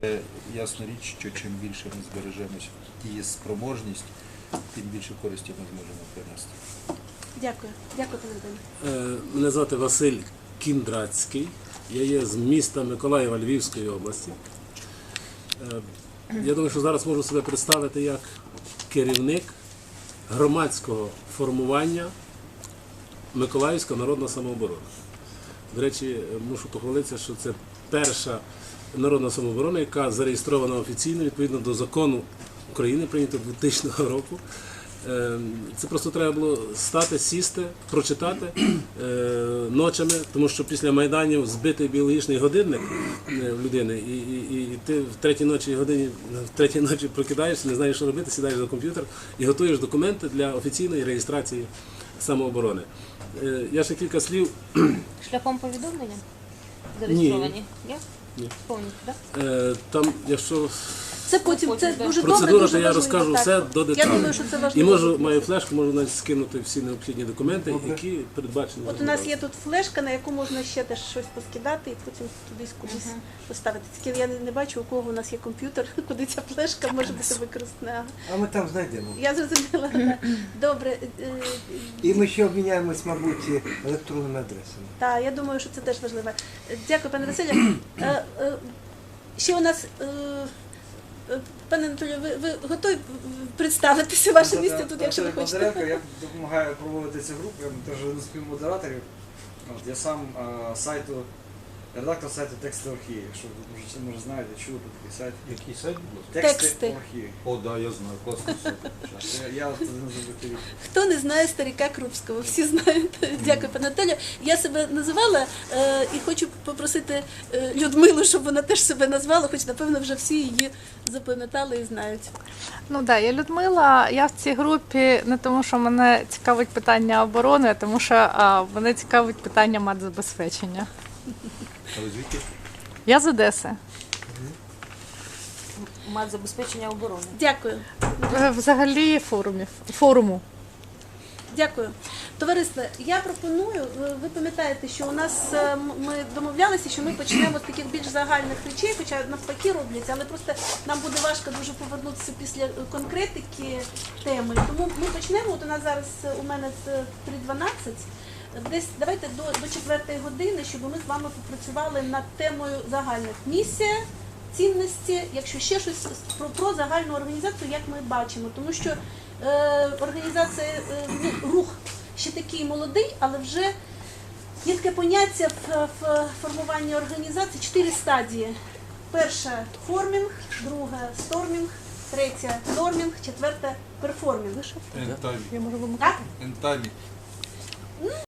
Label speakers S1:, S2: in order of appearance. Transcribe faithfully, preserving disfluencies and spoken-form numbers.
S1: Ясна річ, що чим більше ми збережемо її спроможність, тим більше користі ми зможемо принести.
S2: Дякую. Дякую, пане Віталію.
S3: Мене звати Василь Кіндрацький. Я є з міста Миколаєва Львівської області. Я думаю, що зараз можу себе представити як керівник громадського формування Миколаївська народна самооборона. До речі, мушу похвалитися, що це перша народна самооборона, яка зареєстрована офіційно відповідно до закону України, прийнятого дві тисячного року. Це просто треба було стати, сісти, прочитати ночами, тому що після Майданів збитий біологічний годинник в людини, і, і, і ти в третій ночі годині, в третій ночі прокидаєшся, не знаєш, що робити, сідаєш за комп'ютер і готуєш документи для офіційної реєстрації самооборони. Я ще кілька слів.
S4: Шляхом повідомлення? Зареєстровані? Є?
S3: Ні.
S4: Повністю, так?
S3: Там, якщо
S2: Це потім, це дуже добре,
S3: процедура,
S2: дуже
S3: то я
S2: важливо,
S3: розкажу
S2: так.
S3: все до
S2: Я
S3: деталей.
S2: думаю, що це
S3: І
S2: важливо.
S3: можу, маю флешку, можу навіть скинути всі необхідні документи, які передбачені.
S2: От у нас є тут флешка, на яку можна ще теж щось поскидати і потім туди кудись
S4: Мгм.
S2: поставити. Тільки я не, не бачу, у кого у нас є комп'ютер, куди ця флешка може бути використана.
S5: А ми там знайдемо.
S2: Я зрозуміла. Добре. е,
S5: І ми ще обміняємось, мабуть, електронними адресами.
S2: Так, я думаю, що це теж важливо. Дякую, пане Василю. Е, е, Ще у нас, е, е, пане Анатолію, ви, ви готові представитися ваше місце тут, якщо ви хочете?
S6: Бондаренко, я допомагаю проводити цю групу, я теж один з співмодераторів. От, я сам а, сайту, редактор сайту Тексти Орхії, якщо ви може, може знаєте, чули про такий сайт.
S1: Який сайт, будь ласка?
S2: Тексти.
S6: Тексти Орхії.
S1: О, так, да, я знаю, класний сайт.
S6: Я, я от один з редакторів.
S2: Хто не знає старика Крупського, всі знають. Дякую, пане Анатолію. Я себе називала е, і хочу попросити е, Людмилу, щоб вона теж себе назвала, хоч, напевно, вже всі її запам'ятали і знають.
S7: Ну так, да, я Людмила. Я в цій групі не тому, що мене цікавить питання оборони, а тому що а, мене цікавить питання матзабезпечення.
S1: А ви звідки?
S7: Я з Одеси.
S4: Мат забезпечення оборони.
S2: Дякую.
S7: Е, Взагалі форумів, форуму.
S2: Дякую. Товариство, я пропоную, ви- ви пам'ятаєте, що у нас е, м- ми домовлялися, що ми почнемо з таких більш загальних речей, хоча навпаки робляться, але просто нам буде важко дуже повернутися після конкретики теми. Тому ми почнемо. От у нас зараз е, у мене три дванадцять. Десь давайте до, до четвертої години, щоб ми з вами попрацювали над темою загальних місія, цінності, якщо ще щось про, про загальну організацію, як ми бачимо. Тому що е, організація, е, ну, рух ще такий молодий, але вже є таке поняття в, в формуванні організації, чотири стадії. Перша – формінг, друга – стормінг, третя – нормінг, четверта – перформінг.
S1: Ентамі.
S7: Я можу
S2: Так?
S1: Ентамі.